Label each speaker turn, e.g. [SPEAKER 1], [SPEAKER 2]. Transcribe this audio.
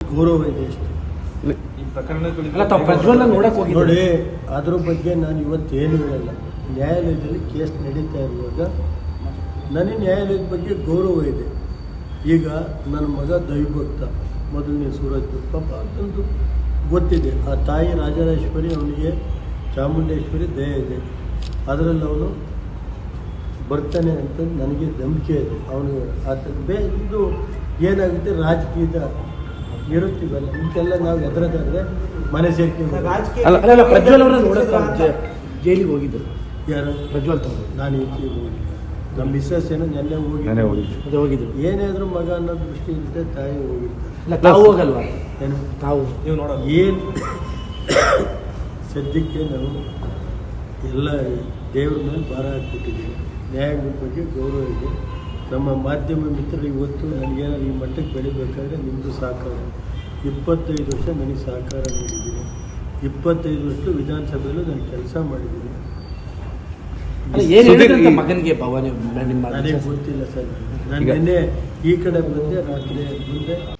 [SPEAKER 1] ಗೌರವ ಇದೆ ಅಷ್ಟೇ. ನೋಡಿ, ಅದ್ರ ಬಗ್ಗೆ ನಾನು ಇವತ್ತೇನು ಹೇಳಲ್ಲ. ನ್ಯಾಯಾಲಯದಲ್ಲಿ ಕೇಸ್ ನಡೀತಾ ಇರುವಾಗ ನನಗೆ ನ್ಯಾಯಾಲಯದ ಬಗ್ಗೆ ಗೌರವ ಇದೆ. ಈಗ ನನ್ನ ಮಗ ದೈವಭಕ್ತ, ಮೊದಲನೇ ಸೂರಜ್ ಪಾಪ ಅಂತಂದು ಗೊತ್ತಿದೆ. ಆ ತಾಯಿ ರಾಜರಾಜೇಶ್ವರಿ, ಅವನಿಗೆ ಚಾಮುಂಡೇಶ್ವರಿ ದಯ ಇದೆ, ಅದರಲ್ಲಿ ಅವನು ಬರ್ತಾನೆ ಅಂತ ನನಗೆ ನಂಬಿಕೆ ಇದೆ. ಅವನು ಇದು ಏನಾಗುತ್ತೆ, ರಾಜಕೀಯದ ಇರುತ್ತೀವಲ್ಲ, ಇಂತೆಲ್ಲ ನಾವು ಎದುರದಾದ್ರೆ ಮನೆ ಸೇರ್ಕೊಂಡು
[SPEAKER 2] ಪ್ರಜ್ವಲ್ ಅವರ ನೋಡೋಕೆ ಜೈಲಿಗೆ ಹೋಗಿದ್ದರು.
[SPEAKER 1] ಯಾರು? ಪ್ರಜ್ವಲ್ ತಮ್ಮ. ನಾನು ಈಚೆಗೆ ಹೋಗಿಲ್ಲ. ನಮ್ಮ ಮಿಸ್ಸಸ್ ಏನೋ ನೆನ್ನೆ ಹೋಗಿದ್ರು. ಏನೇ ಆದರೂ ಮಗ ಅನ್ನೋ ದೃಷ್ಟಿ ಇರುತ್ತೆ, ತಾಯಿ ಹೋಗಿರ್ತಾರೆ.
[SPEAKER 2] ತಾವು ಹೋಗಲ್ವಾ?
[SPEAKER 1] ಏನು
[SPEAKER 2] ತಾವು ನೀವು ನೋಡೋದು
[SPEAKER 1] ಏನು? ಸದ್ಯಕ್ಕೆ ನಾವು ಎಲ್ಲ ದೇವ್ರ ಮೇಲೆ ಭಾರ ಹಾಕ್ಬಿಟ್ಟಿದ್ದೀವಿ. ನ್ಯಾಯಾಂಗದ ಬಗ್ಗೆ ಗೌರವ ಇದೆ. ನಮ್ಮ ಮಾಧ್ಯಮ ಮಿತ್ರರು ಇವತ್ತು ನನಗೇನಾದ್ರು ಈ ಮಟ್ಟಕ್ಕೆ ಬೆಳಿಬೇಕಾದ್ರೆ ನಿಮ್ಮದು ಸಹಕಾರ. 25 ವರ್ಷ ನನಗೆ ಸಹಕಾರ ನೀಡಿದ್ದೀನಿ. 25 ವರ್ಷ ವಿಧಾನಸಭೆಯಲ್ಲೂ ನಾನು ಕೆಲಸ ಮಾಡಿದ್ದೀನಿ.
[SPEAKER 2] ಮಗನಿಗೆ
[SPEAKER 1] ನನಗೆ ಗೊತ್ತಿಲ್ಲ ಸರ್. ನಾನು ನಿನ್ನೆ ಈ ಕಡೆ ಬಂದೆ, ರಾತ್ರಿ ಮುಂದೆ